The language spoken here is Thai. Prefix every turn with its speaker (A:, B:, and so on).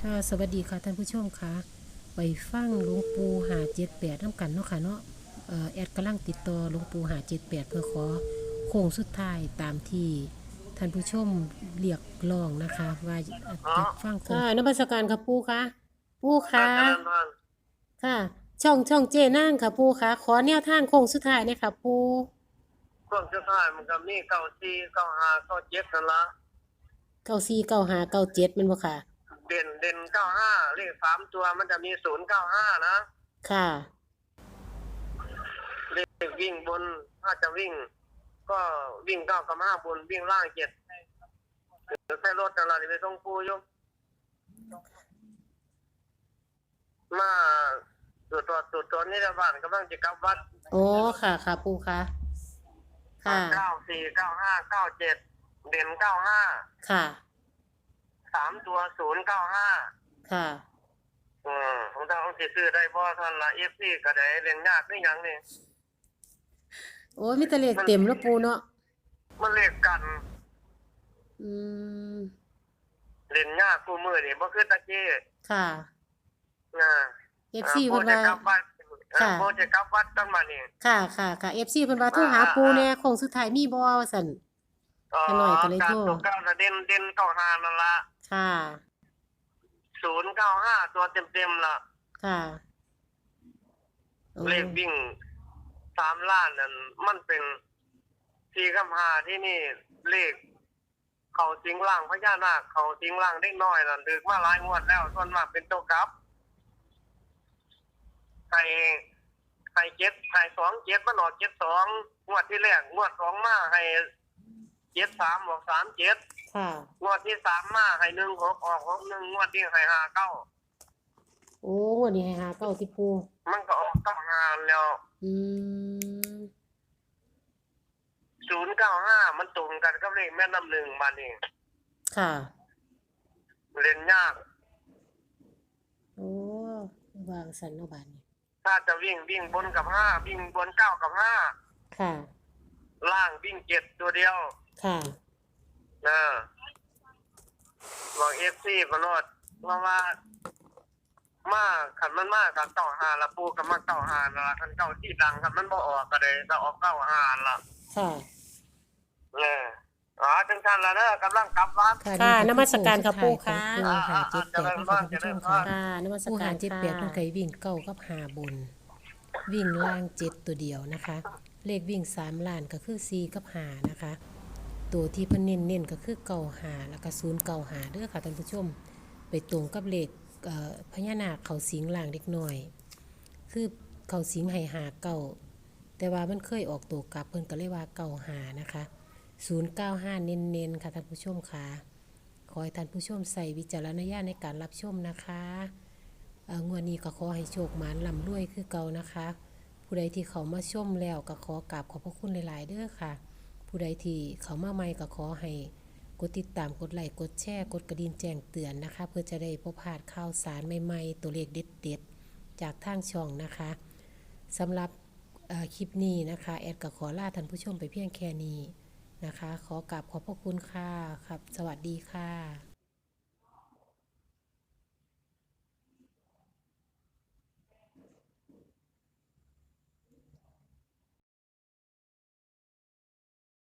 A: ค่ะสวัสดีค่ะท่านผู้ชมค่ะไปฟังหลวงปู่578น้ำกันเนาะค่ะเนาะแอดกำลังติดต่อหลวงปู่578เพื่อขอโค้งสุดท้ายตามที่ท่านผู้ชมเรียกร้องนะคะว่า
B: อ๋อ
A: อยากฟังโค้งค่ะนมัสการค่ะปู่ค่ะปู่ค่ะ
B: เจริญพร
A: ค่ะช่องเจนั่งค่ะปู่ค่ะขอแนวทางโค้งสุดท้ายเนี่ยค่ะปู่
B: ช่วงสุดท้ายมันก็มี94 95 97นั่นละ
A: 949597มันบ่ค่ะ
B: เด่น95เลข3 ตัวมันจะมี095นะ
A: ค่ะ
B: เลขวิ่งบนถ้าจะวิ่งก็วิ่ง9 กับ 5บนวิ่งล่าง7ใช้รถนั่นล่ะนี่ไปส่งปูอยู่มาตรวจนี่ละบ้านกำลังจะกลับวัด
A: โอ้ค่ะค่ะปู่ค่ะค่ะ
B: 94 95 97เด่น95
A: ค่ะ
B: 3 ตัว095
A: ค่ะ
B: ผมต้องสิซื้อได้บ่ท่านละ FC ก็ได้เล่นยากคือหยังนี่
A: โอ้ยมีแต่เลขเต็มแล้วปู่เนาะ
B: มันเลขกัน
A: อืม
B: เล่นยากคู่มือนี่บ่คือตะกี้
A: ค่ะ
B: นะ
A: FC
B: โบ
A: เพิ่นว่า
B: จะกลับวัด
A: ค่ะ
B: โบจะกลับวัดตั้งมานี่
A: ค่ะ FC เพิ่นว่าโทรหาปู่แหน่โค้งสุดท้ายมีบ่ว่าซั่น
B: อ๋อ
A: ขาน้อยก็เลย
B: กา
A: โทร
B: รตกเก้าน่ะเด่น95นั่นล่ะ
A: ค่ะ
B: 095ตัวเต็มๆล่ะ
A: ค่ะโอ้
B: เลขวิ่ง3ล้านนั่นมันเป็น4กับ5ที่นี่เลขเขาสิงล่างพญานาคเขาสิงล่างเด็กน้อยนั่นถึกมาหลายงวดแล้วส่วนมากเป็นตัวกลับให้27มันออก72งวดที่แรกงวด2มาให้73ออก37
A: ค่ะ
B: งวดที่3มาให้16ออก61งวดที่ให้59
A: โอ้งวดนี้ให้หาเก้าติปู่
B: มันก็ออก95แล้ว
A: อืม
B: 095มันตรงกันกับเลขแม่น้ำหนึ่งบัดนี้
A: ค่ะ
B: เล่นยาก
A: โอ้วางสันเนาะบาดนี้
B: ถ้าจะวิ่งบนกับ5วิ่งบน9กับ5
A: ค่ะ
B: ล่างวิ่ง7ตัวเดียว
A: ค่ะ
B: นะบอก FC บ่รอดเพราะว่ามาคันมันมากับ95ละปูก็มา95นั่นล่ะคันเก้าที่ดังคันมันบ่ออกก็ได้ถ้าออก95ล่ะ
A: ค่ะ
B: จังซั่นล่ะเด้อกำลังกลับวัด
A: ค่ะนมัสการค่ะปู่ค่ะ
B: เจริญพรเจริญพร
A: ค่ะนมัสการค่ะเพิ่นเคยวิ่งเก้ากับหาบนวิ่งล่าง7ตัวเดียวนะคะ เลขวิ่ง3ล้านก็คือ4กับ5นะคะ ตัวที่เพิ่นเน้นๆก็คือ95แล้วก็095เด้อค่ะท่านผู้ชมไปตรงกับเลขพญานาคเขาสิงล่างเด็กน้อยคือเขาสิงให้หาเก่าแต่ว่ามันเคยออกตัวกลับเพิ่นก็เลยว่าเก่าหานะคะ095เน้นๆค่ะท่านผู้ชมค่ะขอให้ท่านผู้ชมใส่วิจารณญาณในการรับชมนะคะงวดนี้ก็ขอให้โชคหมานร่ำรวยคือเก่านะคะผู้ใดที่เขามาชมแล้วก็ขอกราบขอบพระคุณหลายๆเด้อค่ะผู้ใดที่เขามาใหม่ก็ขอให้กดติดตามกดไลค์กดแชร์กดกระดิ่งแจ้งเตือนนะคะเพื่อจะได้บ่พลาดข่าวสารใหม่ๆตัวเลขเด็ดๆจากทางช่องนะคะสำหรับคลิปนี้นะคะแอดก็ขอลาท่านผู้ชมไปเพียงแค่นี้นะคะขอกราบขอบพระคุณค่ะครับสวัสดีค่ะ